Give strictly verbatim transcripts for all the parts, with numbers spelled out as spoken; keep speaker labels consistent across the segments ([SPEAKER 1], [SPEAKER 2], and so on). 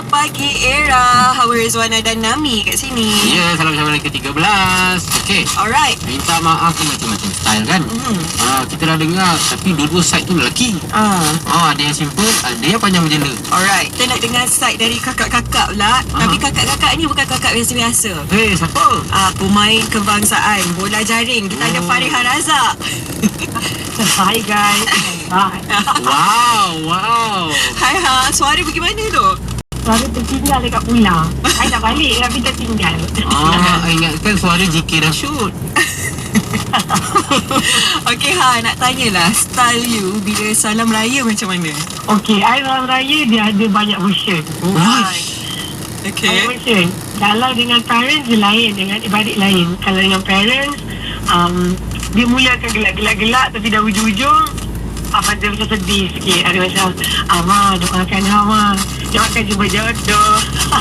[SPEAKER 1] pagi Era, Hawa Rizwana dan Nami kat sini.
[SPEAKER 2] Ya, salam sama ke tiga belas. Okey.
[SPEAKER 1] Alright.
[SPEAKER 2] Minta maaf tu macam-macam style kan.
[SPEAKER 1] Mm-hmm.
[SPEAKER 2] Ah, kita dah dengar tapi dua-dua side tu lelaki.
[SPEAKER 1] Ah.
[SPEAKER 2] Oh, ada yang simple, ada yang panjang berjela.
[SPEAKER 1] Alright, kita nak dengar side dari kakak-kakak pula.
[SPEAKER 2] Aha.
[SPEAKER 1] Tapi kakak-kakak ni bukan kakak biasa-biasa.
[SPEAKER 2] Hei, siapa?
[SPEAKER 1] Ah, pemain kebangsaan bola jaring. Kita ada
[SPEAKER 2] Oh.
[SPEAKER 1] Fariha Razak.
[SPEAKER 3] Hi guys. Hi.
[SPEAKER 2] Wow, wow.
[SPEAKER 1] Hai ha, suara pergi mana tu?
[SPEAKER 3] Suara tertinggal dekat pulang. I nak balik tapi tertinggal.
[SPEAKER 2] Ah, ingatkan suara J K Rashid.
[SPEAKER 1] Okey ha, nak tanyalah style you bila salam raya macam mana?
[SPEAKER 3] Okay, I Salam Raya dia ada banyak version.
[SPEAKER 2] Uish.
[SPEAKER 3] Banyak
[SPEAKER 1] Okey.
[SPEAKER 3] version. Kalau dengan parents dia lain, dengan adik lain. Kalau dengan parents, um, dia mula akan gelak-gelak-gelak tapi dah ujung-ujung apa dia macam sedih sikit. Ada macam, ah, Ma, doakan Ha, Ma. Doakan jumpa jodoh.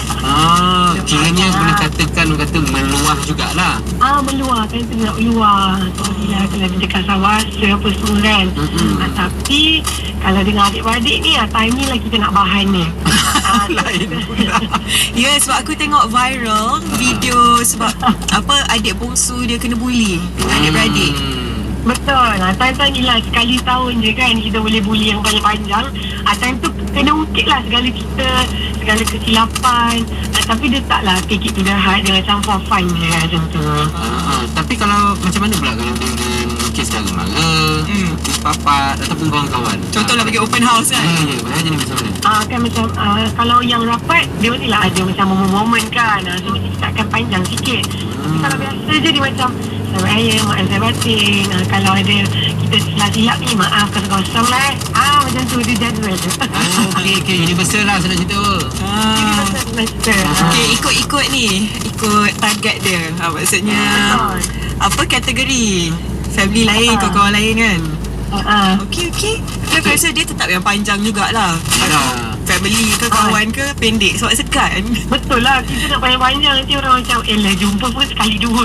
[SPEAKER 2] Ah, kiranya boleh katakan kata meluah jugalah.
[SPEAKER 3] Ah, meluar kan, tu nak meluar. Sorry lah kalau dia dekat sawasa apa semua kan.
[SPEAKER 2] Mm-mm.
[SPEAKER 3] Ah, tapi kalau dengan adik-beradik ni, ah, time ni lah kita nak bahan ni. Ah,
[SPEAKER 2] Lain pula.
[SPEAKER 1] Ya, sebab aku tengok viral video sebab apa adik bongsu dia kena bully dengan adik-beradik.
[SPEAKER 2] Hmm.
[SPEAKER 3] Betul. Ah, time-time ni lah sekali tahun je kan kita boleh bully yang panjang-panjang. Ah, time tu kena ungkit lah segala cerita, segala kesilapan. Ah, tapi dia taklah take it to the heart. Dia macam for fun je lah macam tu.
[SPEAKER 2] Ah, tapi kalau macam mana pula kalau dengan kes saudara mara,
[SPEAKER 1] Hmm.
[SPEAKER 2] kes papat ataupun kawan-kawan?
[SPEAKER 1] Contohlah bagi open house kan.
[SPEAKER 2] Ya, ya, macam ni macam mana?
[SPEAKER 3] Ah, kan macam ah, kalau yang rapat dia mestilah ada macam momen-momen kan. Ah, so mesti kita akan panjang sikit. Tapi kalau biasa je dia macam selamat raya, maaf saya batin. Ah, kalau ada kita silap-silap ni maaf kosong-kosong lah eh. Ah, macam tu dia jadual tu.
[SPEAKER 2] Oh, okey, okey. Universal lah saya nak cerita.
[SPEAKER 1] Ah.
[SPEAKER 3] Semester.
[SPEAKER 1] Okey, ikut-ikut ni, ikut target dia. Ha, maksudnya apa kategori? Family lain,
[SPEAKER 3] Ah.
[SPEAKER 1] kawan-kawan lain kan.
[SPEAKER 3] Ah,
[SPEAKER 1] Okey, okey. Aku rasa dia tetap yang panjang jugalah.
[SPEAKER 2] Yalah.
[SPEAKER 1] Family ke kawan ke pendek sebab segan.
[SPEAKER 3] betul lah. Kita nak panjang-panjang nanti orang macam eh lah jumpa pun sekali dua.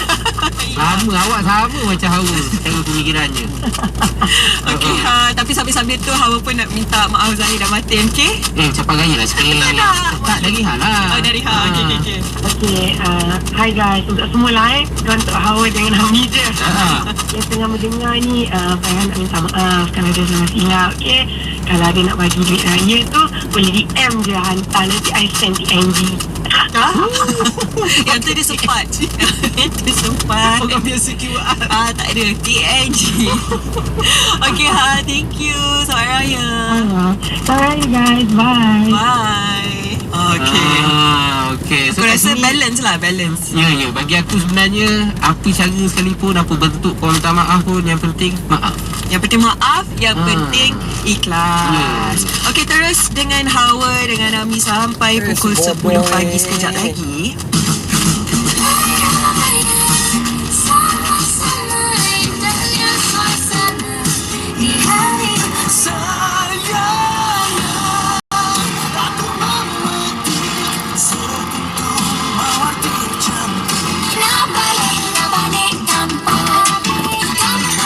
[SPEAKER 2] Sama, awak sama macam Hawa. Tengok pemikirannya.
[SPEAKER 1] Okey, ha, tapi sambil-sambil tu Hawa pun nak minta maaf Zahir dan Matin, okey?
[SPEAKER 2] Eh, capai gaya lah sikit.
[SPEAKER 1] Tak nak.
[SPEAKER 2] Tak, dari hal lah.
[SPEAKER 1] Oh, dari Ha. Okey, okey, okey.
[SPEAKER 3] Okay, uh, hi guys. Untuk semua lah eh. Bukan untuk Hawa dengan Hami je.
[SPEAKER 2] Ah.
[SPEAKER 3] Yang tengah mendengar ni, uh, Farhan nak minta maaf kalau ada salah silap, okay? Kalau ada nak bagi duit raya tu, boleh D M je hantar. Nanti I send T N G.
[SPEAKER 1] Ha? Yang tu dia sempat. Yang tu sempat.
[SPEAKER 2] Orang biasa Q R.
[SPEAKER 1] Ah, tak ada. T N G. Okey, ha. Thank you. Selamat Raya.
[SPEAKER 3] Uh, Sorry guys, bye.
[SPEAKER 1] Bye. Okey.
[SPEAKER 2] Ah, okey.
[SPEAKER 1] Aku
[SPEAKER 2] kat
[SPEAKER 1] rasa
[SPEAKER 2] sini-
[SPEAKER 1] balance lah, balance.
[SPEAKER 2] Ya, ya. Bagi aku sebenarnya, apa cara sekalipun, apa bentuk kau minta maaf pun, yang penting maaf.
[SPEAKER 1] Yang penting maaf, yang
[SPEAKER 2] Ah.
[SPEAKER 1] penting ikhlas.
[SPEAKER 2] Yes.
[SPEAKER 1] Okey, terus dengan Hawa dengan Ami sampai
[SPEAKER 4] Eh,
[SPEAKER 1] pukul
[SPEAKER 4] si
[SPEAKER 1] sepuluh
[SPEAKER 4] Boboy.
[SPEAKER 1] pagi sekejap lagi.